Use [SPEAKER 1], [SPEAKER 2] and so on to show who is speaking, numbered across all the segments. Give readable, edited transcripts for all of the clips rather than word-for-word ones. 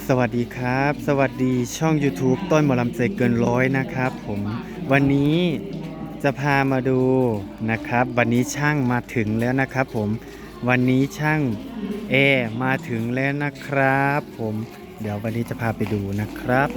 [SPEAKER 1] สวัสดีครับสวัสดีช่อง YouTube ต้นหมอลำใจเกินร้อยนะครับผมวันนี้จะพามาดูนะครับวันนี้ช่างมาถึงแล้วนะครับผมวันนี้ช่างเอมาถึงแล้วนะครับผมเดี๋ยววันนี้จะพาไปดูนะครับ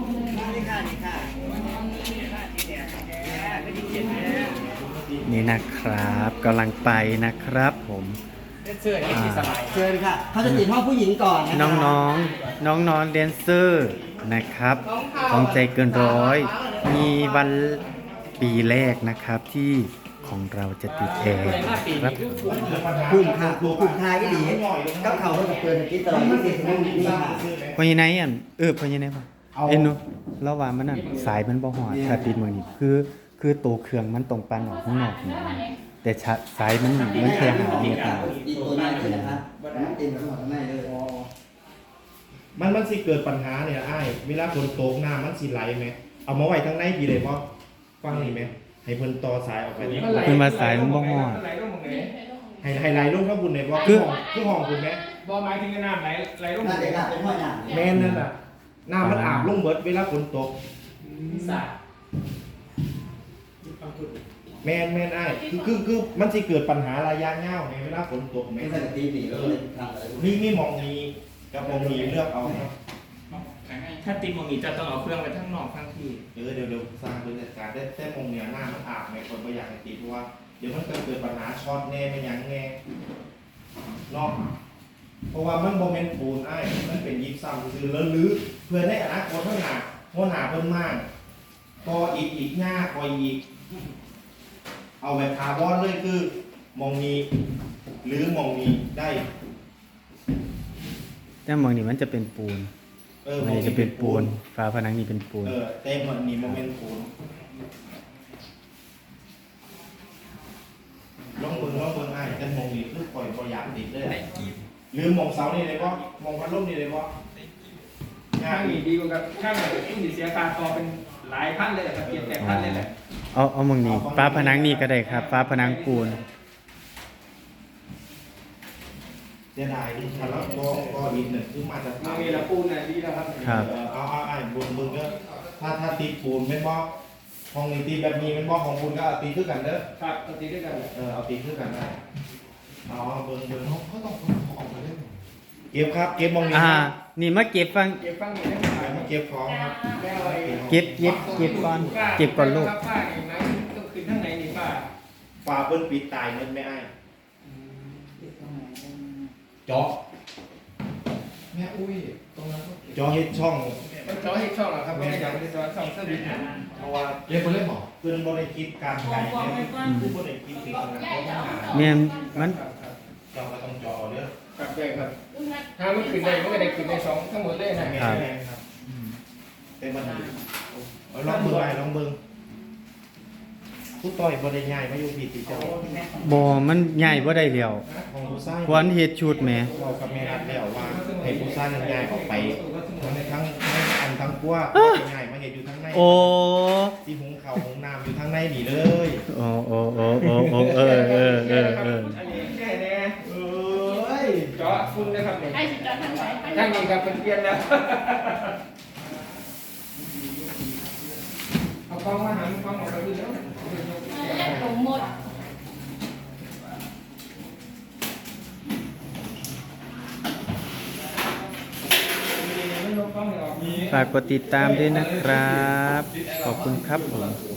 [SPEAKER 1] นี่นะครับกำลังไปนะครับผม
[SPEAKER 2] เชิญค่ะเขาจะติดห้องผู้หญิงก่อนนะ
[SPEAKER 1] น้องๆน้องๆแดนเซอร์นะครับของใจเกินร้อยมีวันปีแรกนะครับที่ของเราจะติดแอร์ครับ
[SPEAKER 2] กลุ่มค่ะกลุ่มทายก็ดีก็เขาเพิ่งจะเปิดกินตลอด24 ชั่วโมงนี่ค่ะ
[SPEAKER 1] พอยังไงอ่ะพอยังไงบ้างนุระหว่างมันนั่นสายมันบ่หอดถ้าติดมือนี่คือตัวเครื่องมันตรงปันออกข้างนอกนี่แต่สายมันแค่หาเมตรนะ
[SPEAKER 2] อีกตัวนี้เลยนะครับเต็มข้างในเลย
[SPEAKER 3] มันสิเกิดปัญหาเนี่ยไอ้เวลาฝนตกน้ำมันสิไหลไหมเอามาไว้ทั้งในปีเลยเพราะฟังนี่ไหมให้เพิ่นต่อสายออกไปนี่
[SPEAKER 1] เพิ่นมาสายมันบ่ฮอด
[SPEAKER 3] ให้ไหลลงข้างบนเลยเพราะคือห้องคุณไหม
[SPEAKER 4] บ่หมายถึงน้ำไหลลง
[SPEAKER 2] น่าจะเป็นห้อยหนา
[SPEAKER 3] แม่นนั่นน่ะน้ำมันอาบลงเบิดเวลาฝนตก
[SPEAKER 4] สา
[SPEAKER 3] แม่นไอ้คือมันสิเกิดปัญหาระยะยาวในเวลาฝนตกไหม
[SPEAKER 2] ไม่ใช่ตีปีก็เลยทำอะไร
[SPEAKER 3] มีมองนี้กับมองนี้เลือกเอาครับ
[SPEAKER 4] ถ้าติดมองนี้จะต้องเอาเครื่องไปทั้งนอกทั้งที่
[SPEAKER 3] เดี๋ยวสร้างบรรยากาศได้แต่มองเนี่ยหน้ามันอาบในคนก็อยากให้ติดเพราะว่าเดี๋ยวมันเกิดปัญหาช็อตแน่ไม่ยั้งแน่นอกเพราะว่ามันโมเมนต์ปูนไอ้มันเป็นยิบซ้ำคือแล้วลื้อเพื่อให้อนาคตข้างหน้าเพิ่มมากพออีกหน้าพออีกเอาแบบคาร์บอนเลยคือมองนี้หรือมองนี้ได้
[SPEAKER 1] แต่มองนี่มันจะเป็นปูนมันจะเป็นปูนฝาผนังนี่เป็นปูน
[SPEAKER 3] เต็มมันนี่โมเมนต์ปูนลองเบิ่งไอ้แต่มองนี้คือปล่อยประหยัดติดเลยหรือมองเสานี่เลยก็มองพัดลมนี่เลยก็
[SPEAKER 4] ข้างนี้ดีกว่ากับข้างไหนที่เสียการต่อเป็นหลายพันเลยครับเกียรแต่พันเลยแหละ
[SPEAKER 1] เอามองนี่ฝาผนังนี่ก็ได้ครับฝาผนังปูน
[SPEAKER 3] เสียดายที่แล้วก็อีกหนึ่งคือมาจาก
[SPEAKER 4] มีละปูนน่ะดีแล้วครับ
[SPEAKER 3] เอาไอ้บุญก็ถ้าตีปูนไม่บอกห้องนี้ตีแบบนี้เป็นบอกของคุณก็ตีคือกันเด้อ
[SPEAKER 4] ครับตีด้วยกัน
[SPEAKER 3] เอาตีคือกันได้เอาเบิ่งเขาต้องออกมาเล่นเก็บครับเก็บมองนี้
[SPEAKER 1] นี่มาเก็บฟัง
[SPEAKER 4] นี่ได้
[SPEAKER 3] มาเก็บของครับ
[SPEAKER 1] เก็บก่อนลูก
[SPEAKER 4] ป้าอย่างนั้นต้องคืนข้างในนี่ป้า
[SPEAKER 3] ฝาเปิ้นปิดตายเงินไม่ไอ้จอแม่อุ้ยตรงนั้นจอเฮ็ดช่อง
[SPEAKER 4] จอเฮ็ดช่องเหรอครับไม่อยากเป็นจอช่องเซอร์วิส
[SPEAKER 3] เพราะว่าเรียกเล่นหรอเพื่อนบริคิดการไกลเนี่ยคือบริคิดถึงขนาด
[SPEAKER 1] เนี่ยมัน
[SPEAKER 3] จอก็ต้องจอเด้อ
[SPEAKER 4] ครับใช่ครับถ้ามันขึ้นได้มันก็ได้ขึ้นได้สองทั้งหมดเลย
[SPEAKER 3] นะครับเป็นมันลองเบิ่งผู้ต่อยบริง่ายมาอยู่ผิดติเจ้า
[SPEAKER 1] บ่มันใหญ่บ่ได้แล้วควันเฮ็ดชุดแหม
[SPEAKER 3] เรากับแม่นัดแล้วว่าให้ผู้สร้างง่ายออกไปทั้งทั้งกลัวง่ายมาเฮ็ดอยู่ทั้งในที่หุงข้าวหุงน้ำอยู่ทั้งในนี่เลย
[SPEAKER 1] โอ้
[SPEAKER 4] อันนี้แค่แน่เจาะคุณนะครับนี่ให้สิเจาะทางไหนทางนี้ครับเป็นเปลี่ยนแล้วเอากล้องมาหากล้องออกไปดูแล้ว
[SPEAKER 5] ผมหมด
[SPEAKER 1] ฝากกดติดตามด้วยนะครับขอบคุณครับผม